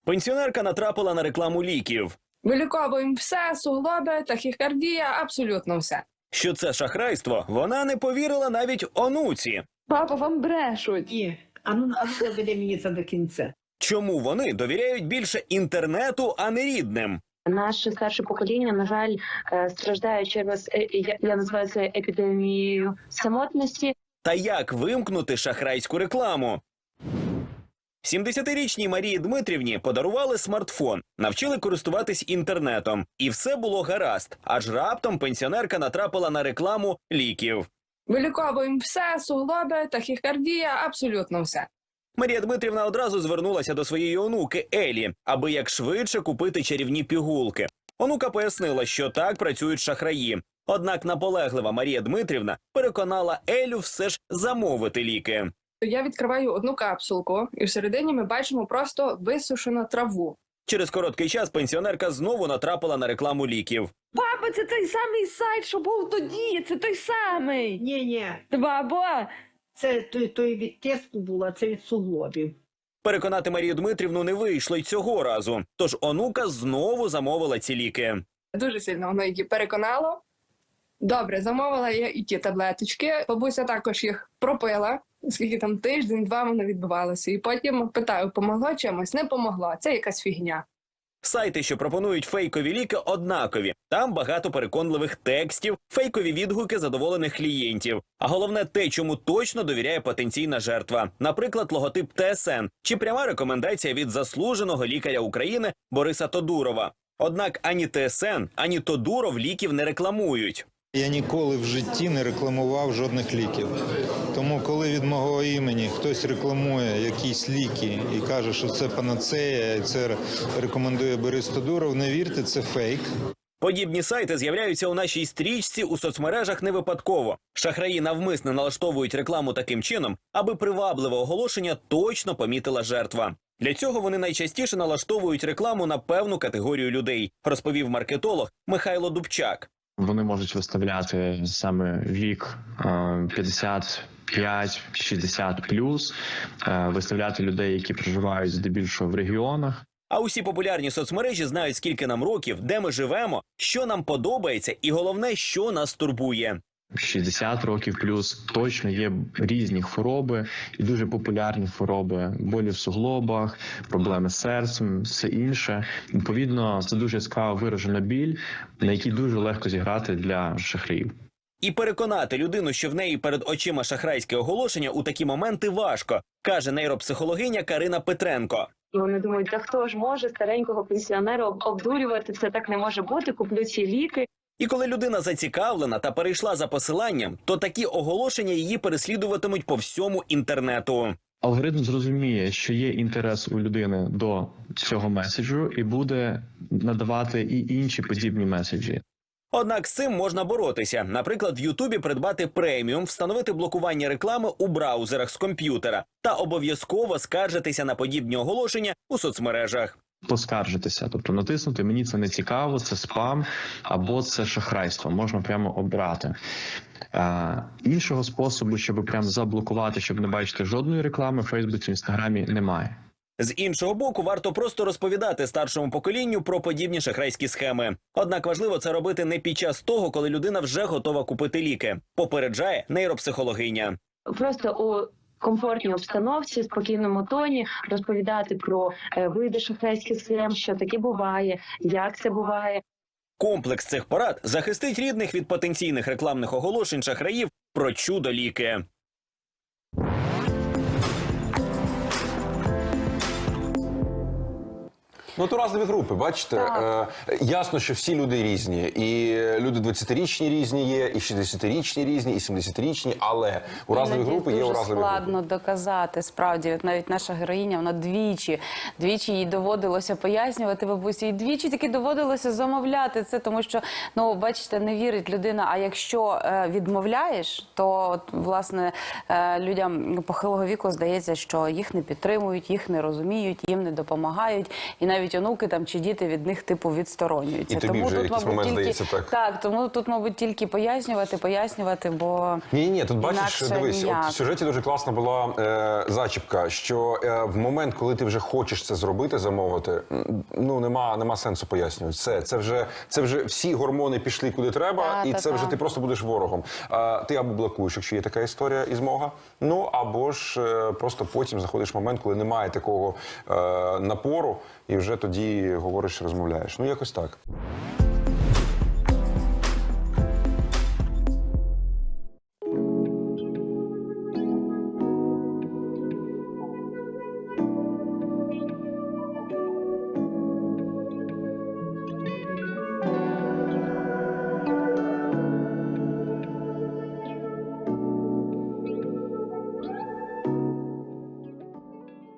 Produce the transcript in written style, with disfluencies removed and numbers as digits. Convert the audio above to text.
Пенсіонерка натрапила на рекламу ліків. Виліковуємо все, суглоби, тахікардія, абсолютно все. Що це шахрайство, вона не повірила навіть онуці. Папа, вам брешуть. Ні, а ну доведи мені це до кінця. Чому вони довіряють більше інтернету, а не рідним? Наше старше покоління, на жаль, страждає через, я називаю це епідемією самотності. Та як вимкнути шахрайську рекламу? 70-річній Марії Дмитрівні подарували смартфон, навчили користуватись інтернетом. І все було гаразд, аж раптом пенсіонерка натрапила на рекламу ліків. Виліковуємо все, суглоби, тахікардія, абсолютно все. Марія Дмитрівна одразу звернулася до своєї онуки Елі, аби якшвидше купити чарівні пігулки. Онука пояснила, що так працюють шахраї. Однак наполеглива Марія Дмитрівна переконала Елю все ж замовити ліки. Я відкриваю одну капсулку, і всередині ми бачимо просто висушену траву. Через короткий час пенсіонерка знову натрапила на рекламу ліків. Папа, це той самий сайт, що був тоді, це той самий. Ні, Бабо, це той від тесту було, а це від суглобів. Переконати Марію Дмитрівну не вийшло й цього разу, тож онука знову замовила ці ліки. Дуже сильно воно її переконало. Добре, замовила я і ті таблеточки. Бабуся також їх пропила, скільки там тиждень-два воно відбувалося. І потім питаю, помогло чимось? Не помогло, це якась фігня. Сайти, що пропонують фейкові ліки, однакові. Там багато переконливих текстів, фейкові відгуки задоволених клієнтів. А головне те, чому точно довіряє потенційна жертва. Наприклад, логотип ТСН чи пряма рекомендація від заслуженого лікаря України Бориса Тодурова. Однак ані ТСН, ані Тодуров ліків не рекламують. Я ніколи в житті не рекламував жодних ліків. Тому коли від мого імені хтось рекламує якісь ліки і каже, що це панацея, і це рекомендує Борис Тодуров, не вірте, це фейк. Подібні сайти з'являються у нашій стрічці у соцмережах не випадково. Шахраї навмисно налаштовують рекламу таким чином, аби привабливе оголошення точно помітила жертва. Для цього вони найчастіше налаштовують рекламу на певну категорію людей, розповів маркетолог Михайло Дубчак. Вони можуть виставляти саме вік 55-60+, виставляти людей, які проживають здебільшого в регіонах. А усі популярні соцмережі знають, скільки нам років, де ми живемо, що нам подобається і головне, що нас турбує. 60 років плюс точно є різні хвороби і дуже популярні хвороби, болі в суглобах, проблеми з серцем, все інше. Відповідно, це дуже яскраво виражена біль, на якій дуже легко зіграти для шахраїв. І переконати людину, що в неї перед очима шахрайське оголошення, у такі моменти важко, каже нейропсихологиня Карина Петренко. І вони думають, та хто ж може старенького пенсіонера обдурювати, це так не може бути, куплю ці ліки. І коли людина зацікавлена та перейшла за посиланням, то такі оголошення її переслідуватимуть по всьому інтернету. Алгоритм зрозуміє, що є інтерес у людини до цього меседжу і буде надавати і інші подібні меседжі. Однак з цим можна боротися. Наприклад, в Ютубі придбати преміум, встановити блокування реклами у браузерах з комп'ютера та обов'язково скаржитися на подібні оголошення у соцмережах. Поскаржитися, тобто натиснути «Мені це не цікаво», це спам або це шахрайство, можна прямо обрати. Іншого способу, щоб прямо заблокувати, щоб не бачити жодної реклами в Фейсбуці, в Інстаграмі, немає. З іншого боку, варто просто розповідати старшому поколінню про подібні шахрайські схеми. Однак важливо це робити не під час того, коли людина вже готова купити ліки, попереджає нейропсихологиня. Просто у комфортній обстановці, спокійному тоні розповідати про види шахрайських схем, що таке буває, як це буває. Комплекс цих порад захистить рідних від потенційних рекламних оголошень шахраїв про чудо-ліки. Ну, то разові групи, бачите. Ясно, що всі люди різні. І люди 20-річні різні є, і 60-річні різні, і 70-річні, але уразливі групи є уразливі групи. Дуже складно доказати, справді. От навіть наша героїня, вона двічі їй доводилося пояснювати бабусі, і двічі таки доводилося замовляти це, тому що, ну, бачите, не вірить людина, а якщо відмовляєш, то, от, власне, людям похилого віку здається, що їх не підтримують, їх не розуміють, їм не допомагають, і навіть навіть онуки там чи діти від них типу відсторонюються. І тобі вже якийсь момент здається так. Так, тому тут, мабуть, тільки пояснювати, бо Ні, тут бачиш, інакше дивись, ніяк. от в сюжеті дуже класна була зачіпка, що в момент, коли ти вже хочеш це зробити, замовити, ну нема сенсу пояснювати. Все, це вже всі гормони пішли куди треба, і це вже ти просто будеш ворогом. Ти або блокуєш, якщо є така історія і змога, ну або ж просто потім заходиш в момент, коли немає такого напору, і вже тоді говориш, розмовляєш. Ну якось так.